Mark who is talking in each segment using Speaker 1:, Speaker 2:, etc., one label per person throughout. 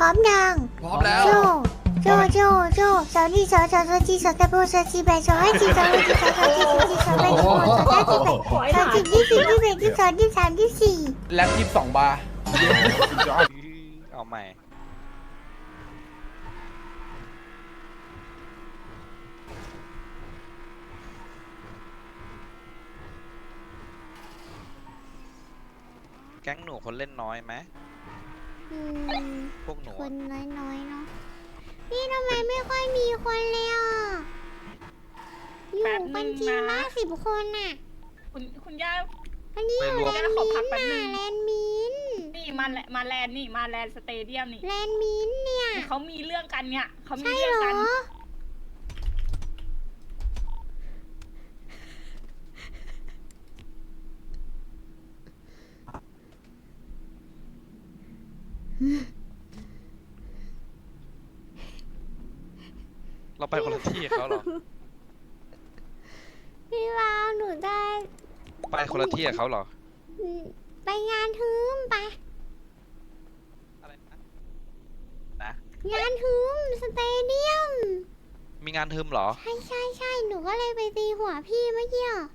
Speaker 1: ร้อมยัง
Speaker 2: พร้อมแล้ว
Speaker 1: โจโจสาวนี่สาวจีสาวตะโบสาวจีแบสาวให้จีสาวให้จีสาวจีสาวจีสาวแบสาวสาวจีแบสาวจีที่สี่ที่แบที่สองที่สามที่สี่
Speaker 2: แล็บ22 บาร์
Speaker 3: เอาใหม่แก๊งหนูคนเล่นน้อยไหมพวกหนู
Speaker 1: คนน้อยๆเนาะพี่ทำไมไม่ค่อยมีคนเลยอ่ะอยู่กันทีละ10 คนน่ะ
Speaker 4: คุณย่า
Speaker 1: อันนี้อยู่แลนด์มินน่ะแลนด์มิน
Speaker 4: นี่มาแลนด์นี่มาแลนด์สเตเดียมนี่
Speaker 1: แลนด์มินเนี่ย
Speaker 4: เขามีเรื่องกันเนี่ยเขามี
Speaker 1: ใช่
Speaker 4: เรื่
Speaker 1: เหร
Speaker 4: อง
Speaker 1: อ
Speaker 4: กัน
Speaker 3: เราไปคนละที่กับเขาเหรอ
Speaker 1: พี่วาวหนูได้
Speaker 3: ไปคนละที่กับเขาเหรอ
Speaker 1: ไปงานฮึมไป
Speaker 3: อะไรนะ
Speaker 1: งานฮึมสเตเดียม
Speaker 3: มีงานทึมเหรอ
Speaker 1: ใช่หนูก็เลยไปตีหัวพี่เมื่อกี้อะ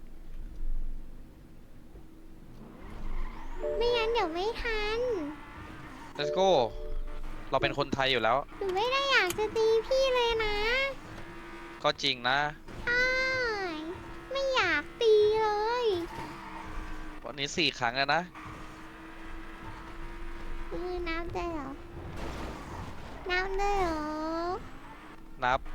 Speaker 1: ไม่งั้นเดี๋ยวไม่ทัน
Speaker 3: let's go เราเป็นคนไทยอยู่แล้ว
Speaker 1: หนูไม่ได้อยากจะตีพี่เลยนะ
Speaker 3: ก็จริงนะ
Speaker 1: ใช่ไม่อยากตีเลย
Speaker 3: วันนี้4 ครั้งแล้วนะ
Speaker 1: นับได้เหรอนับได้เหรอ
Speaker 3: นับ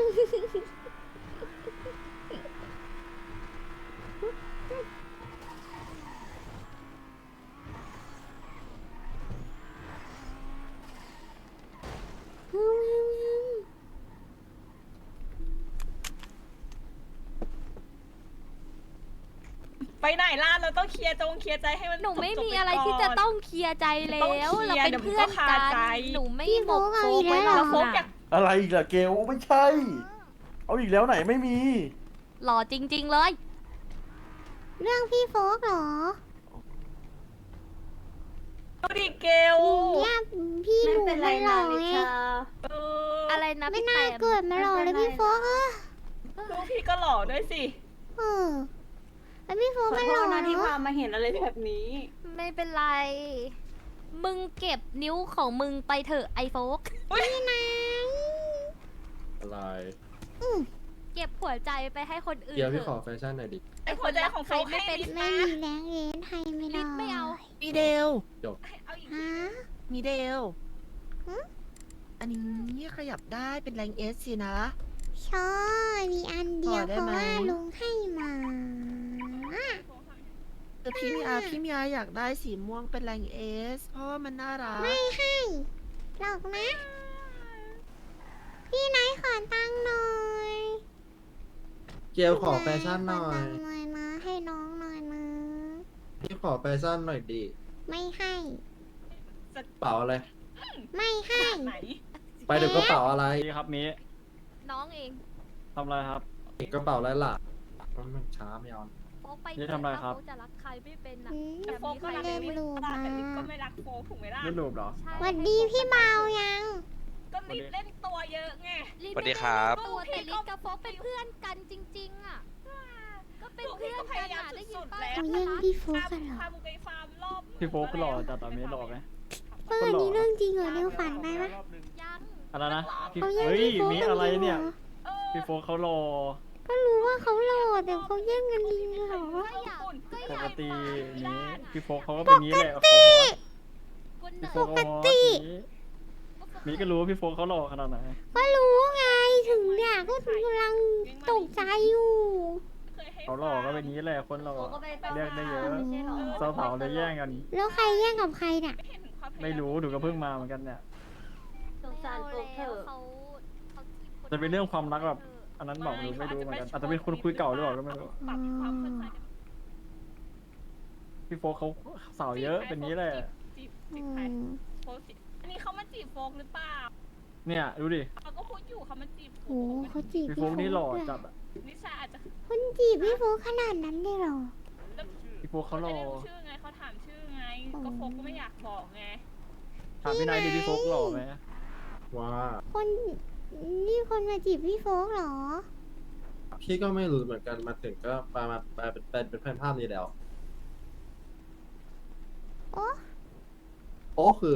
Speaker 4: ไปไหนล่ะเราต้องเคลียร์ใจให้มัน
Speaker 5: หนูไม่
Speaker 4: จบๆ
Speaker 5: มี
Speaker 4: ป
Speaker 5: อะไร
Speaker 4: ก่น
Speaker 5: ที่จะต้องเคลียร์ใจแล้ว
Speaker 4: ต้องเคลียร์
Speaker 5: เราเป็นเพื่อน
Speaker 4: เดี๋ยวมันก็คา
Speaker 5: กัน
Speaker 4: ใจ
Speaker 5: หนูไม่
Speaker 1: พี่
Speaker 5: หมก
Speaker 1: โบ๊ท
Speaker 5: โฟ
Speaker 1: เอาอีก
Speaker 5: ไว้
Speaker 1: แล้วเหรอ
Speaker 5: หรอก
Speaker 4: โฟกอยาก
Speaker 5: นะ
Speaker 6: อะไรอีกล่ะเกลไม่ใช่ เอาอีกแล้วไหนไม่มี
Speaker 5: หล่อจริง ๆเลย
Speaker 1: เรื่องพี่โฟกเหรอ
Speaker 4: ดูดิเกล
Speaker 1: เนี่ยพี่หนูมันหล่อไง
Speaker 5: อะไรนะ
Speaker 1: ไม่
Speaker 5: พี่
Speaker 1: น่า
Speaker 5: แต้ม
Speaker 1: เกิดมาหล่อเลยพี่โฟกอะ
Speaker 4: ลูกพี่ก็หล่อด้วยสิ
Speaker 1: เออแล้วพี่โฟก
Speaker 7: ขอ
Speaker 1: มัน
Speaker 7: โท
Speaker 1: หล่อ
Speaker 7: ษนะที่
Speaker 1: เน
Speaker 7: พา
Speaker 1: อะ
Speaker 7: มาเห็นอะไรแบบนี้
Speaker 5: ไม่เป็นไร มึงเก็บนิ้วของมึงไปเถอะไอโฟก
Speaker 1: พี่นาย
Speaker 6: อะไร
Speaker 5: เก็บหัวใจไปให้คนอื่น
Speaker 6: เดี๋ยว
Speaker 5: เถ
Speaker 6: พี่ขอ
Speaker 5: อะ
Speaker 6: แฟชั่นหน่อยดิ
Speaker 4: ไอ้หัวใจของโฟก
Speaker 5: ไม่
Speaker 4: ให้
Speaker 5: เป็น
Speaker 4: ลิศ
Speaker 1: ไม่
Speaker 4: นะ
Speaker 1: มีแรงเอ็นให้ไม่ได้
Speaker 5: ลิศไม่เอา
Speaker 8: มีเดล
Speaker 4: เอาอีก
Speaker 1: ฮะ
Speaker 8: มีเดล
Speaker 1: หึ
Speaker 8: อันนี้ขยับได้เป็นแรงเอสสินะ
Speaker 1: ใช่มีอันเดียว
Speaker 8: ขอได้
Speaker 1: เพราะ
Speaker 8: ไหม
Speaker 1: ว่าลุงให้มา
Speaker 8: แต่พี่มีอาอยากได้สีม่วงเป็นแรงเอสเพราะว่ามันน่ารัก
Speaker 1: ไม่ให้หรอกนะ พี่นายขอตังค์หน่อย
Speaker 6: เกลขอแฟชั่นหน่อ
Speaker 1: ขอย ตังค์หน่อยนะให้น้องหน่อยนะ
Speaker 6: พี่ขอแฟชั่นหน่อยดิ
Speaker 1: ไม่ให้
Speaker 6: เป๋าอะไร
Speaker 1: ไม่ให้
Speaker 4: ไหน
Speaker 6: ไปเดี๋ยวกระเป๋าอะไร
Speaker 9: นี่ครับมี
Speaker 5: น้องเอง
Speaker 9: ทำอะไรครับ
Speaker 6: กระเป๋าอะไรล่ะมันช้าไม่เอา
Speaker 5: โฟกไป
Speaker 9: นี่ทำอะไรครับ
Speaker 5: เขาจะรักใครไม่เป็นอ่ะ
Speaker 1: อืม
Speaker 4: แต่โฟกก็รัก
Speaker 1: เล่น
Speaker 4: ลิศ
Speaker 1: รูป
Speaker 4: แต่
Speaker 1: มา
Speaker 4: ลิศก็ไม่รักโฟกถูกไหมล่ะ
Speaker 9: เล่นรูปเหรอ
Speaker 5: ใช่
Speaker 1: หวัดดีพี่เบายัง
Speaker 4: ก็ลิศเล่นตัวเยอะไง
Speaker 5: ลิศ
Speaker 3: สวัสดีครับ
Speaker 5: ไม่ได้เล่นตัวแต่ลิศกับโฟกเป็นเพื่อนกันจริง ๆ อ่ะ ก็เป็นเพื่อนกันอ่ะได้ยินป่ะ
Speaker 1: เขาแย่งพี่โฟกกันเหรอ
Speaker 4: พามึงไปฟาร์มรอบ
Speaker 9: พี่โฟกหล่อแต่ตอนนี้หล่อไหม
Speaker 1: เปิดนี่เรื่องจริงเหรอเร็วฝันไปปะ
Speaker 5: ยัง
Speaker 9: อะไรนะพี่
Speaker 1: เขาแย่ง
Speaker 9: เฮ้ย
Speaker 1: พี่โฟก
Speaker 9: มี
Speaker 1: กัน
Speaker 9: อะไร
Speaker 1: จริง
Speaker 9: เนี่ย
Speaker 1: เหรอ
Speaker 9: พี่โฟกเขาหล่อ
Speaker 1: ก็รู้ว่าเขาหล่อแต่เขาแย่งกันจริงเหรอ
Speaker 5: ก็อยากก็อ
Speaker 9: ป
Speaker 5: ยาก
Speaker 9: กติ
Speaker 5: ฟัง
Speaker 9: นี้พี่โฟกเขาก็เป็นนี้แหละ
Speaker 5: คนไหน
Speaker 9: พี่โฟกเขามีก็รู้ว่าพี่โฟกเขาหล่อขนาดไหน
Speaker 1: ก็รู้ไงถึงเนี่ยก็กำลังตกใจอยู่
Speaker 9: เขาหล่อก็เป็นนี้แหละคนหล่อเรียกได้เยอะสาวๆเลยแย่งกัน
Speaker 1: แล้วใครแย่งกับใครเนี่ย
Speaker 9: ไม่รู้ดูก็เพิ่งมาเหมือนกันเนี่ย
Speaker 7: สงสารโฟกเถอะ
Speaker 5: เขา
Speaker 9: จะเป็นเรื่องความรักแบบอันนั้นบอกไม่รู้เหมือนกันอาจจะเป็นคนคุยเก่าหรือเปล่าก็ไม่รู้
Speaker 4: ปรับความเข้าใจ
Speaker 9: พี่โฟกเขาสาวเยอะเป็นนี้แหละ
Speaker 4: จีบ
Speaker 1: อื
Speaker 4: ใคร
Speaker 1: ม
Speaker 4: โฟกจีบอันนี้เขามาจีบโฟกหรือเปล่า
Speaker 9: เนี่ยดูดิ
Speaker 4: เขาก็พูดอยู่เขามาจีบโฟ
Speaker 1: โอ้
Speaker 4: ก
Speaker 1: เขาจีบ
Speaker 9: พี่
Speaker 1: พี่
Speaker 9: โฟ
Speaker 1: โฟ
Speaker 9: ก
Speaker 1: ก
Speaker 9: นี่หล่อ
Speaker 1: ด้วย
Speaker 9: จัดอะ
Speaker 4: นิชาอาจจะ
Speaker 1: คนจีบพี่โฟกขนาดนั้นเลยเหรอ
Speaker 9: พี่โฟกเขาหล่อ
Speaker 4: ไม่ได้รู้ชื่อไงเขาถามชื่อไง ก็โฟกก็ไม่อยากบอกไง
Speaker 9: ถามพี่นายดิพี่โฟกหล่อไหม
Speaker 6: ว่า
Speaker 1: คนนี่คนมาจีบพี่โฟกเหรอ
Speaker 6: พี่ก็ไม่รู้เหมือนกันมาถึงก็มาเป็นแฟนภาพนี้แล้ว
Speaker 1: โอ้
Speaker 6: โอ้คือ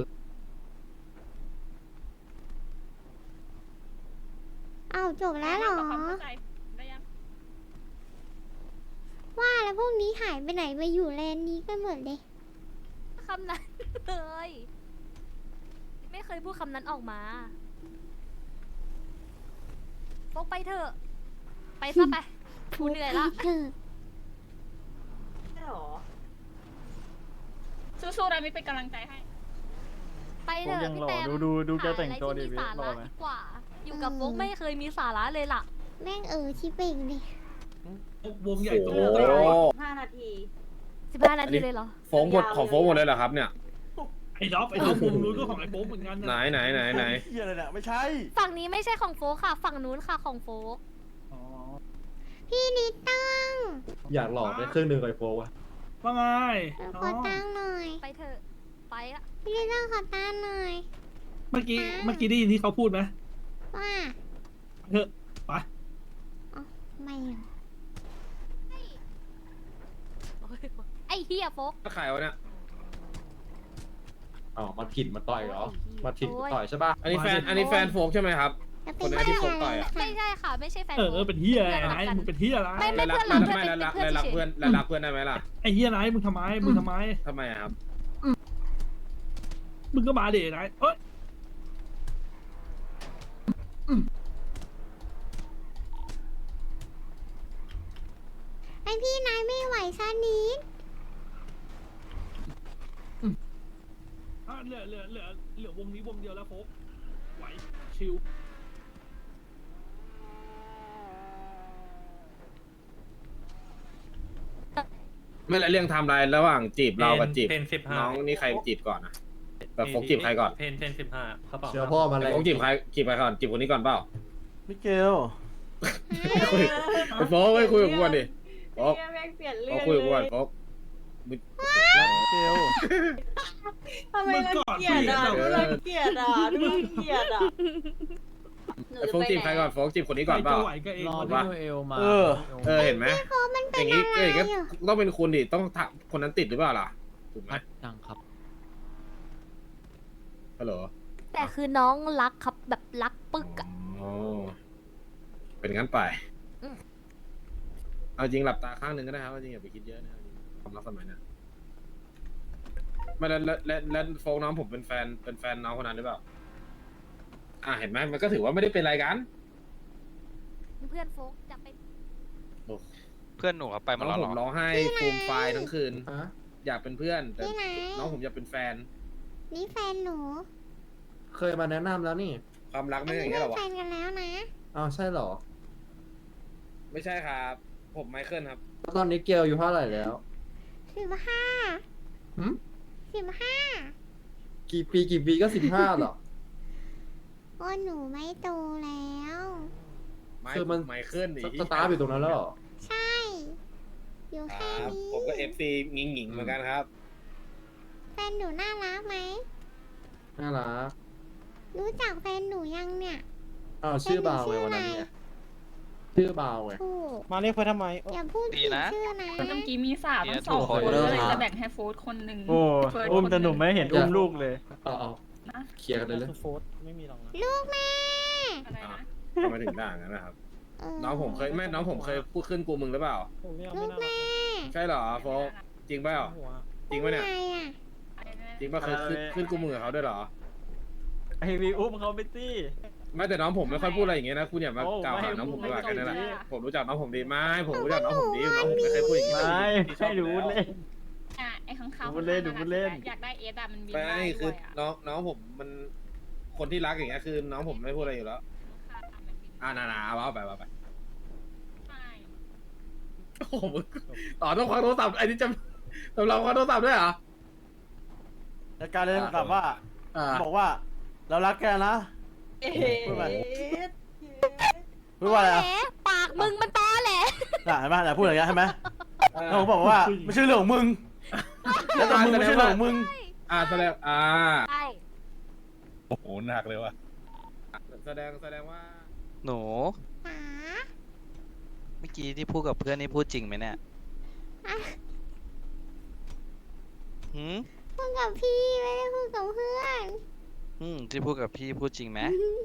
Speaker 1: เอาจบแล้วเหรอ
Speaker 4: ปรับความเข้าใจได้ยัง
Speaker 1: ว่าแล้วพวกนี้หายไปไหนไปอยู่แลนด์นี้กันหมดเลย
Speaker 5: คำนั้นเลย ไม่เคยพูดคำนั้นออกมาโฟกไปเถอะ ไปซะไปกูเหนื่อยละ
Speaker 1: เธอ
Speaker 7: ใช่หรอ
Speaker 4: สู้ๆนะมิเป็นกำลังใจให้
Speaker 5: ไปเถอะ
Speaker 9: ยัง
Speaker 5: พี่
Speaker 9: หล่อ
Speaker 5: แต้ม
Speaker 9: ดูแก
Speaker 5: หา
Speaker 9: แต่งตัว
Speaker 5: อะไร
Speaker 9: ดิ
Speaker 5: ที่มี
Speaker 9: พี่
Speaker 5: สา
Speaker 9: หล่อ
Speaker 5: ระ
Speaker 9: ไหม
Speaker 5: ดีกว่า อยู่กับโฟกไม่เคยมีสาระเลยล่ะ
Speaker 1: แม่งชิเป่งเลย
Speaker 2: วงใหญ่โต
Speaker 7: 5 นาที
Speaker 5: 15 นาทีเลยเหรอ
Speaker 10: โฟงหมดของโฟงหมดเลยเหรอครับเนี่ย
Speaker 2: ไอ้ด็อปวงนู้นก็ของไอ้โป๊ปเหมือนกัน
Speaker 10: ไหน
Speaker 2: นะ
Speaker 6: เฮียอะไรเนี่ยไม่ใช่
Speaker 5: ฝั่งนี้ไม่ใช่ของโฟกค่ะ ฝั่งนู้นค่ะของโฟก
Speaker 2: อ๋อ
Speaker 1: พี่นิดตั้ง
Speaker 6: อยากหลอกได้ครึ่งหนึ่งไอโฟวะ
Speaker 2: ว่าไง
Speaker 1: ขอตั้งหน่อย
Speaker 5: ไปเถอะ ไปละ
Speaker 1: พี่นิดตั้งขอตั้งหน่อย
Speaker 2: เมื่อกี้ได้ยินที่เขาพูดไหม
Speaker 1: ว่า
Speaker 2: เถอะไป
Speaker 1: ไม่เหรอ
Speaker 5: ไอ้เฮียโฟก
Speaker 10: ก็ขายวะเนี่ย
Speaker 6: อ๋อมาถิ่นมาต่อยเหรอมาถิ่นมาต่อยใช่ป่ะ
Speaker 10: อันนี้แฟนโฟงใช่ไหมครับ
Speaker 1: แล้ว
Speaker 10: คนนั้นที่โฟกต่อยอะ
Speaker 5: ไม่ใช่ค่ะ ไม่ใช่แฟน
Speaker 2: เอ
Speaker 5: โฟ
Speaker 2: อก เป็นเฮียอะไรนายมึงเป็นเฮียอะไร
Speaker 5: ไม่
Speaker 10: แล้วรัก
Speaker 5: เพื่อนเรา
Speaker 10: ไม่แล้วรัก
Speaker 5: เพื่อน
Speaker 10: แล้วรัก
Speaker 5: เฉย
Speaker 10: เพื่อนแล้วรักเพื่อนได้ไหมล่ะ
Speaker 2: ไอ้เฮียนายมึงทำไมมึงทำไม
Speaker 10: ทำไมอะครับ
Speaker 2: มึงก็มาเดนายเอ้ย
Speaker 1: ไอพี่นายไม่ไหวซะนิด
Speaker 2: เหลือวงนี้วงเดียวแล้วโฟกไหวชิว
Speaker 10: ไม่ละเรื่องไทม์ไลน์ระหว่างจีบเรากับจีบ
Speaker 9: เพน15
Speaker 10: น้องนี่ใครจีบก่อนนะแบบโฟกจีบใครก่อน
Speaker 9: เพน15เขาบอก
Speaker 6: เชื่อพ่อมาเลย
Speaker 10: โฟกจีบใครก่อนจีบคนนี้ก่อนเปล่า
Speaker 6: มิเกล
Speaker 10: ไอ้โฟกไม่คุยกับกูก่อนดิโฟก
Speaker 7: แม่งเปลี่ยนเรื่
Speaker 10: โฟ
Speaker 7: อก ง
Speaker 10: คุยกับกู
Speaker 7: เล
Speaker 10: ก่อน
Speaker 7: ย
Speaker 10: โฟก
Speaker 6: มิเกล
Speaker 7: ทำไมรังเกียจอ่ะดูรังเกียจอ่ะดูรังเกียจอ่ะ
Speaker 10: ไอ้โฟกจีบใครก่อนโฟกจีบคนนี้ก่อนเปล่า
Speaker 2: ไหวก็เอง
Speaker 9: รอ
Speaker 2: วะ
Speaker 9: พี่ดูเอลมา
Speaker 10: เห็นไหม
Speaker 1: มัน
Speaker 10: อ
Speaker 1: เป็น
Speaker 10: ย่าง
Speaker 1: อะ
Speaker 10: นี้
Speaker 1: ไร
Speaker 10: อย่างนี้
Speaker 1: อ่ะ
Speaker 10: ต้องเป็นคุณดิต้องคนนั้นติดหรือเปล่าล่ะถูกไหม
Speaker 9: ยังครับ
Speaker 10: ฮัลโหล
Speaker 5: แต่คือน้องรักครับแบบรักปึกอะ
Speaker 10: อ๋อเป็นงั้นไป
Speaker 5: อืม
Speaker 10: เอาจริงหลับตาข้างหนึ่งก็ได้ครับเอาจริงอย่าไปคิดเยอะนะครับความรักสมัยนั้นไม่แล้วโฟกน้องผมเป็นแฟนน้องคนนั้นหรือเปล่าเห็นไหมมันก็ถือว่าไม่ได้เป็นอะไรกัน
Speaker 5: เพื่อนโฟกจะเป็น
Speaker 3: เพื่อนหนูเขาไปหม
Speaker 10: น้
Speaker 3: ด
Speaker 10: อง
Speaker 3: แล้ว
Speaker 10: ผ
Speaker 3: เหร
Speaker 10: ม
Speaker 3: อ
Speaker 10: ร้องไห้ฟูมไฟายทั้งคืน
Speaker 6: ฮะ
Speaker 10: อยากเป็นเพื่อนแต่
Speaker 1: พี่ไหน
Speaker 10: น้องผมอยากเป็นแฟน
Speaker 1: นี่แฟนหนู
Speaker 6: เคยมาแนะนำแล้วนี่
Speaker 10: ความรัก
Speaker 1: อั
Speaker 10: ไม่
Speaker 1: น
Speaker 10: ใช่อ
Speaker 1: นี้
Speaker 10: ย่าง
Speaker 1: เป็
Speaker 10: นี้หรอวะ
Speaker 1: นแฟนกันแล้วนะ
Speaker 6: อ้าวใช่เหรอ
Speaker 10: ไม่ใช่ครับ ผมไมเคิลครับ
Speaker 6: แล้วตอนนี้เกลอยู่เท่าไหร่แล้ว
Speaker 1: 15
Speaker 6: หืม
Speaker 1: 15
Speaker 6: กี่ปีก็15หรอ
Speaker 1: ก็หนูไม่โตแล้ว
Speaker 10: ไม
Speaker 6: คือมัน
Speaker 10: ไมเคิลดิ
Speaker 6: สตาร์ทอยู่ตรงนั้นแล้วเหรอ
Speaker 1: ใช่ อยู่
Speaker 10: ค
Speaker 1: แค่
Speaker 10: รับ
Speaker 1: นี้
Speaker 10: ผมก็เอฟซีงิงหงิงเหมือนกันครับ
Speaker 1: แฟนหนูน่ารักไหม
Speaker 6: น่ารัก
Speaker 1: รู้จักแฟนหนูยังเนี่ย
Speaker 6: อ้าวชื่อบาวไงวันนั้นเนี่ยชื่อบาวไง
Speaker 1: ถูก
Speaker 9: มาเรียกเพื่อทำไม
Speaker 1: อย่าพูด
Speaker 3: ดี
Speaker 1: ผิด
Speaker 3: นะ
Speaker 1: ชื่อนะ
Speaker 4: เมื่อกี้มีสาว
Speaker 3: เนี่
Speaker 4: ทั้
Speaker 3: ย
Speaker 4: งสอง
Speaker 3: ถูก
Speaker 4: คน
Speaker 3: เลย
Speaker 4: เลย
Speaker 6: ครับ
Speaker 4: จะแบ่งให้โฟร์คนหนึ่ง
Speaker 9: โอ้
Speaker 4: เฟิร์ส
Speaker 9: อุ้ม
Speaker 4: คน
Speaker 9: แต่หนุ่มไม่เห็นอุ้มลูกเลย
Speaker 6: เอาเคลียร์กันเลยเลย
Speaker 9: โฟสไม่มีหรอกนะ
Speaker 1: ลูกแม่
Speaker 4: อะไรนะ
Speaker 10: ทำไมถึงด่างั้นนะครับ
Speaker 1: เ
Speaker 10: น้องผมเคยน้องผมเคยพูดขึ้นกูมึงหรือเปล่า
Speaker 1: ลูกแม่
Speaker 10: ใช่เหรอโฟกจริงเปล่าจริงปะเนี่ย
Speaker 1: ไงอ่ะ
Speaker 10: จริงปะเคยขึ้นกูมึงกับเขาด้วยเหรอ
Speaker 9: ไอวีอุ้มเขาไปสิ
Speaker 10: ไม่แต่น้องผมไม่ค่อยพูดอะไรอย่างเงี้ยนะคุณอย่ามาก
Speaker 9: โอ้
Speaker 10: กล่าวหา
Speaker 9: ไม่
Speaker 10: น้องผม
Speaker 9: ไม่
Speaker 10: ดีกว่า
Speaker 9: ไม่
Speaker 10: แค่นั้นแหละ
Speaker 9: ไม่
Speaker 10: ผมรู้จักน้องผมดีไหมผมรู้จักน้องผมดีน้องผมไม่เคยพูดอย่างงี้
Speaker 9: ไม่
Speaker 10: ที่ชอบ
Speaker 9: ให้รู้เล่น
Speaker 4: ไอ้ข้างๆ
Speaker 9: ดูพูดเล่นดูพูดเล่น
Speaker 4: อยากได้เอสอะมันบิน
Speaker 10: ไม่
Speaker 4: ได้
Speaker 10: คือ
Speaker 4: ด้วยอะ
Speaker 10: น้องผมมันคนที่รักอย่างเงี้ยคือน้องผมไม่พูดอะไรอยู่แล้วนาเอาไป
Speaker 4: ใช่
Speaker 10: โอ้โหมึงต่อต้องคว้าโทรศัพท์ไอ้นี่จะเราคว้าโทรศัพท์ด้วยเหรอ
Speaker 6: แล้วการเล่นแบบว่า บอกว่า เรารักแกนะ พูดไป พูดว่าอะไร
Speaker 5: แห
Speaker 6: อ่ะ
Speaker 5: มปากมึงมันตอแหละ
Speaker 6: น่ะเห็นไหมน่ะพูดอย่างเงี้ยใช่ไหมแล้วผมบอกว่าไม่ใช่เรื่องของมึงแล้วแต่มึงไม่ใช่เรื่องของมึง
Speaker 10: แสดง
Speaker 5: ใช่
Speaker 2: โอ้โหหนักเลยว่ะ
Speaker 10: แสดงว่า
Speaker 3: หนู
Speaker 1: หา
Speaker 3: เมื่อกี้ที่พูดกับเพื่อนนี่พูดจริงไหมเนี่ย
Speaker 1: อ่ะ
Speaker 3: หืม
Speaker 1: พูดกับพี่ไม่ได้พูดกับเพื่อน
Speaker 3: ที่พูดกับพี่พูดจริงไหม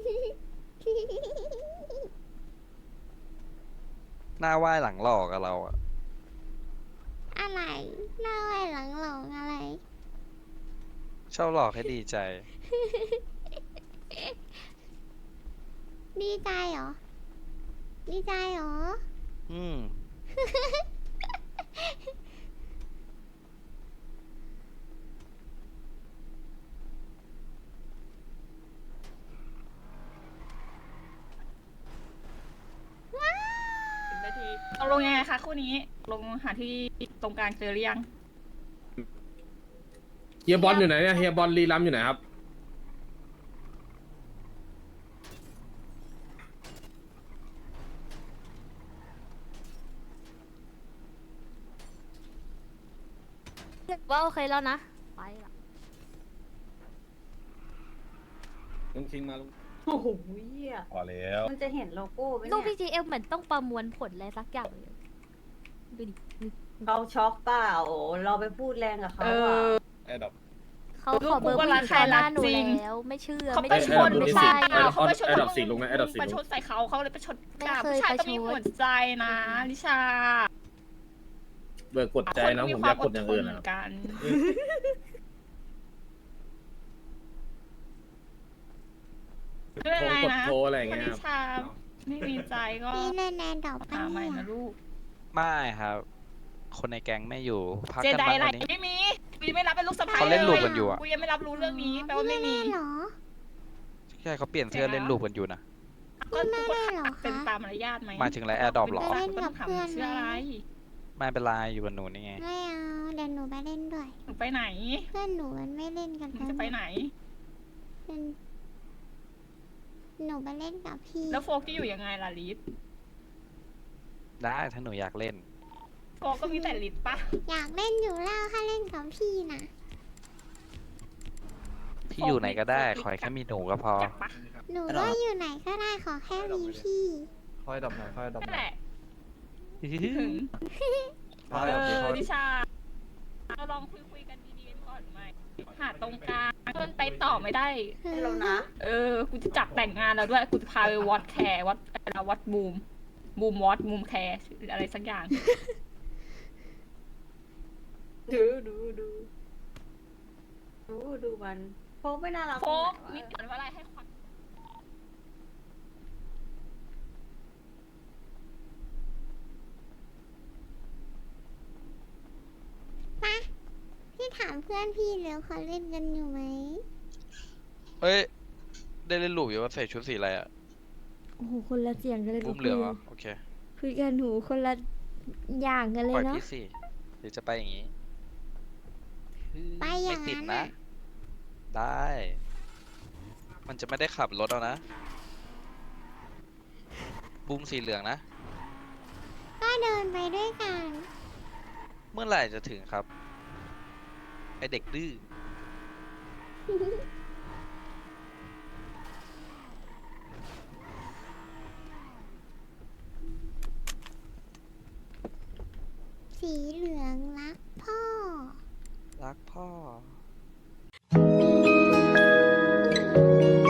Speaker 3: หน้าไหว้หลังหลอกกับเราอะ
Speaker 1: อะไรหน้าไว้หลังหลงอะไร
Speaker 3: ชอบหลอกให้ดีใจ
Speaker 1: ดีใจเหรอ ดีใจเหรอ
Speaker 3: อืม
Speaker 4: 10 นาทีเอาลงยังไงคะคู่นี้ลงหาที่ตรงกลางเจอหรือยัง
Speaker 10: เฮียบอลอยู่ไหนเนี่ยเฮียบอลรีรัมอยู่ไหนครับ
Speaker 5: ว่าโอเคแล้วนะ ไปละ
Speaker 10: ลุงคิงมาลุง
Speaker 7: โอ้โหเหี้ย
Speaker 2: พอแล้ว
Speaker 7: มันจะเห็นโลโก้ไหม
Speaker 5: ลูก
Speaker 7: เนี่ย
Speaker 5: PGM เหมือนต้องประมวลผลอะไรสักอย่างเลยดูดิ
Speaker 7: เขาช็อกเปล่าเราไปพูดแรงกับเขา
Speaker 4: เอ
Speaker 7: อ่ะ
Speaker 4: อ
Speaker 10: แอดดับ
Speaker 5: เขาขอเบอร์ผู้หญิงต่อหน้าหนูแล้ว ไม่เชื่อ
Speaker 4: เขา
Speaker 5: ไม่
Speaker 4: ไป
Speaker 5: เชื่
Speaker 4: ช
Speaker 5: อน ไม่
Speaker 4: ผู้
Speaker 5: ใช่
Speaker 4: ชายเขาไปชน
Speaker 10: แอดดับสี่ลงนะแอดดับสี่
Speaker 4: ไป
Speaker 10: ล
Speaker 4: ช
Speaker 10: ง
Speaker 4: นใส่เขาเลยไปชน
Speaker 5: ไม่
Speaker 4: กา
Speaker 5: เคย
Speaker 4: ผู้ชายต้องมี
Speaker 5: ประชด
Speaker 4: หัวใจนะลิชา
Speaker 10: เบิกกดใจนะผมอยากกดอย่างอื่น
Speaker 4: เห
Speaker 10: นะ
Speaker 4: มือนกันไม่เป็นไร
Speaker 10: กด
Speaker 4: นะ
Speaker 10: โทรอะไรอย่าง
Speaker 4: คน
Speaker 10: เงี้ย
Speaker 4: ลิ
Speaker 10: ครับ
Speaker 4: ชาไม่มีใจก็
Speaker 1: พี่เล่นแนนดอก
Speaker 4: หา
Speaker 1: ปะ
Speaker 4: ใหม่
Speaker 1: เนี่ย
Speaker 4: นะลูก
Speaker 3: ไม่ครับ คนในแก๊งไม่อยู่ พัก
Speaker 4: เจ
Speaker 3: กัน
Speaker 4: ได
Speaker 3: บ้าง
Speaker 4: อะไร
Speaker 3: วันนี้
Speaker 4: ไม่มีกูยังไม่รับเป็นลูกสะใภ้
Speaker 3: เขาเล่นลูกกันอยู่อะ
Speaker 4: กูยังไม่รับรู้เรื่องนี้แปลว่าไม่มี
Speaker 1: พี่เล่นเหรอ
Speaker 3: ใช่เขาเปลี่ยนเสื้อเล่นลูกกันอยู่นะ
Speaker 4: ก็
Speaker 1: ไม่
Speaker 4: ก็
Speaker 1: ได้เหรอ
Speaker 4: เป็น
Speaker 1: คะ
Speaker 4: ตามมารยาทไหม
Speaker 3: หมายถึงอะไรแอร์ดรอปหรอ
Speaker 1: ไปเล่นกับ
Speaker 4: ถาม
Speaker 1: เพื่อน
Speaker 4: เชื่ออะไร
Speaker 3: ไม่เป็นไรอยู่กับหนูนี่ไง
Speaker 1: ไม่เอาเดี๋ยวหนูไปเล่นด้วย
Speaker 4: หนูไปไหน
Speaker 1: เพื่อนหนูมันไม่เล่นกัน
Speaker 4: หนูจะไปไหน
Speaker 1: หนูไปเล่นกับพี่
Speaker 4: แล้วโฟกจะอยู่ยังไงล่ะลิศ
Speaker 3: ได้ถ้าหนูอยากเล่น
Speaker 4: โฟกก็มีแต่ลิศปะ
Speaker 1: อยากเล่นอยู่แล้วถ้าเล่นกับพี่นะ
Speaker 3: พี่อยู่ไหนก็ได้ ขอให้แค่มีหนูก็พอ
Speaker 4: จักปะ
Speaker 1: หนูก็อยู่ไหนก็ได้ขอแค่มีพี่
Speaker 9: ค่อยดับหน่อยค่อยดับ
Speaker 4: นั่น
Speaker 9: หน่
Speaker 4: แห
Speaker 9: อย
Speaker 4: ละถึง
Speaker 9: ค่อยดับดีค่อย
Speaker 4: นิชาเราลองคุยกันดีๆกันก่อนไหมหาตรงกลางมันไปต่อไม่ได้
Speaker 7: ให้เรานะ
Speaker 4: กูจะจับแต่งงานแล้วด้วย กูจะพาไปวอดแคร์วัดบูมวอดบูมแคร์อะไรสักอย่าง
Speaker 7: ดูมันโฟกไม่น่ารัก
Speaker 4: โฟก
Speaker 7: ตรงไหนวะ
Speaker 4: นี่เกิดว่าอะไรให้ความ
Speaker 1: ปะพี่ถามเพื่อนพี่แล้วเขาเล่นกันอยู่ไหม
Speaker 3: เฮ้ย ได้เล่นลูกอยู่ว่าใส่ชุดสีอะไรอะ
Speaker 1: โอ้โหคนละเสียงกันเลย
Speaker 3: บุ้มเหลืองเหรอ โอเค
Speaker 1: คุยกันหนูคนละอย่างกันเล
Speaker 3: ปล่อย
Speaker 1: ยเนาะ
Speaker 3: พี่สิหรือจะไปอย่างนี้
Speaker 1: ไปอย่าง
Speaker 3: ไม่ติด
Speaker 1: นั้น
Speaker 3: นะ
Speaker 1: น่ะ
Speaker 3: ได้ มันจะไม่ได้ขับรถเอานะ บุ้มสีเหลืองนะ
Speaker 1: ก็เดินไปด้วยกัน
Speaker 3: เมื่อไหร่จะถึงครับ ไอเด็กดื้อ
Speaker 1: สีเหลืองรักพ่อ
Speaker 3: รักพ่อ